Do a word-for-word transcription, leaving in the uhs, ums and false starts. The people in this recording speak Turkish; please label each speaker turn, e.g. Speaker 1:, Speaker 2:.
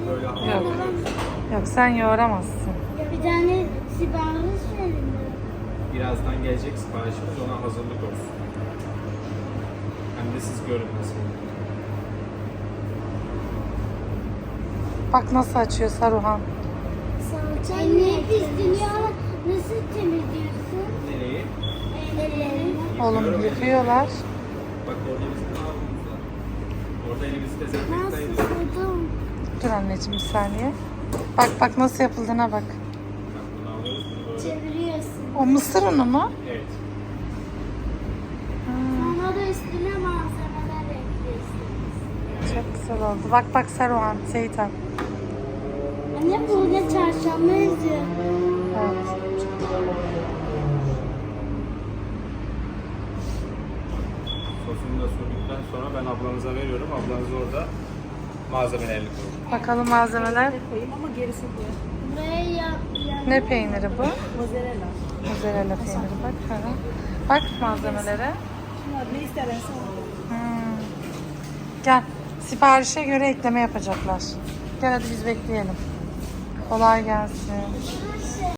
Speaker 1: böyle
Speaker 2: Yok.
Speaker 1: hamurluyoruz.
Speaker 2: Yok sen yoğuramazsın.
Speaker 3: Bir tane sipariş verin.
Speaker 1: Birazdan gelecek siparişimiz, ona hazırlık olsun. Hem de siz görün nasıl olur.
Speaker 2: Bak nasıl açıyor Saruhan.
Speaker 3: Salça ne pisleniyor ama nasıl temizliyorsun?
Speaker 1: Nereyi?
Speaker 3: Ellerini.
Speaker 2: Oğlum yıkıyorlar.
Speaker 1: Bak orada bizim havlumuz var. Orada elimizi dezenfekte
Speaker 3: Nasıl
Speaker 1: ediyoruz.
Speaker 3: sıdım?
Speaker 2: Dur anneciğim bir saniye. Bak bak nasıl yapıldığına bak.
Speaker 1: Bak bunu alıyoruz, bunu böyle.
Speaker 3: Çeviriyorsun.
Speaker 2: O mısır unu mu?
Speaker 1: Evet.
Speaker 3: Sonra da üstüne malzemeler ekliyorsunuz.
Speaker 2: Çok güzel oldu. Bak bak Saruhan, Seyitan.
Speaker 3: Anne burada çarşamba yazıyor.
Speaker 2: Evet.
Speaker 1: Sosunu da sürdükten sonra ben ablanıza veriyorum. Ablanız orada malzemelerini koyuyor.
Speaker 2: Bakalım malzemeler.
Speaker 4: Koyayım ama gerisi bu.
Speaker 3: Buraya ya, ya.
Speaker 2: Ne peyniri bu?
Speaker 4: Mozzarella.
Speaker 2: Mozzarella peyniri bak. Hı hı. Bak malzemelere.
Speaker 4: Şunlar ne istersen onu.
Speaker 2: Hmm. Gel. Siparişe göre ekleme yapacaklar. Gel hadi biz bekleyelim. Kolay gelsin.